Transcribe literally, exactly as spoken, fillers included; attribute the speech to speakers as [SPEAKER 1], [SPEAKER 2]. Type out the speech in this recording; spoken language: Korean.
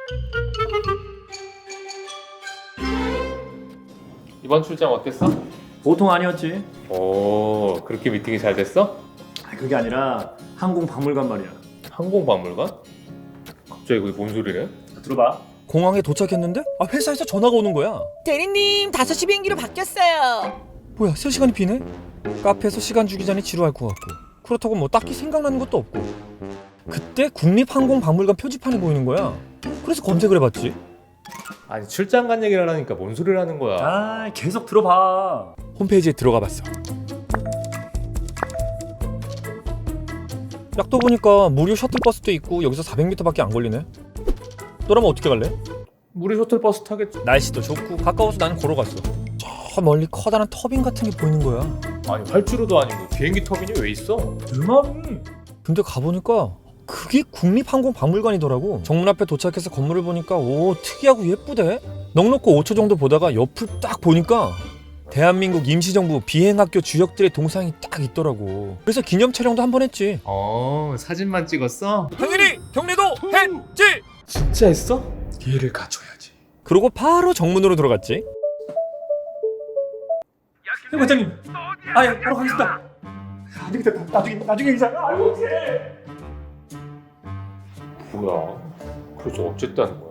[SPEAKER 1] 이번 출장 어땠어?
[SPEAKER 2] 보통 아니었지.
[SPEAKER 1] 오, 그렇게 미팅이 잘 됐어?
[SPEAKER 2] 아, 그게 아니라 항공박물관 말이야.
[SPEAKER 1] 항공박물관? 갑자기 그게 뭔 소리래?
[SPEAKER 2] 들어봐.
[SPEAKER 3] 공항에 도착했는데 아 회사에서 전화가 오는 거야.
[SPEAKER 4] 대리님 다섯 시 비행기로 바뀌었어요.
[SPEAKER 3] 뭐야 세 시간이 비네? 카페에서 시간 주기 전에 지루할 것 같고 그렇다고 뭐 딱히 생각나는 것도 없고 그때 국립항공박물관 표지판이 보이는 거야. 그래서 검색을 해봤지.
[SPEAKER 1] 아니 출장 간 얘기를 하니까 뭔 소리를 하는 거야?
[SPEAKER 2] 아, 계속 들어봐.
[SPEAKER 3] 홈페이지에 들어가 봤어. 약도 보니까 무료 셔틀버스도 있고 여기서 사백 미터밖에 안 걸리네. 너라면 어떻게 갈래?
[SPEAKER 1] 우리 셔틀버스 타겠지.
[SPEAKER 3] 날씨도 좋고 가까워서 나는 걸어갔어. 저 멀리 커다란 터빈 같은 게 보이는 거야.
[SPEAKER 1] 아니 활주로도 아니고 비행기 터빈이 왜 있어?
[SPEAKER 2] 내 말이.
[SPEAKER 3] 근데 가보니까 그게 국립항공박물관이더라고. 정문 앞에 도착해서 건물을 보니까 오 특이하고 예쁘대. 넉넉고 오 초 정도 보다가 옆을 딱 보니까 대한민국 임시정부 비행학교 주역들의 동상이 딱 있더라고. 그래서 기념 촬영도 한 번 했지.
[SPEAKER 1] 어, 사진만 찍었어?
[SPEAKER 3] 당연히 경례도 했지.
[SPEAKER 1] 진짜 했어? 예를 갖춰야지.
[SPEAKER 3] 그러고 바로 정문으로 들어갔지.
[SPEAKER 2] 형 과장님. 아, 예, 바로 가겠습니다. 안 되겠다. 나중에 나중에 인사. 아이고, 어떡해.
[SPEAKER 1] 뭐야? 그래서 어쨌다는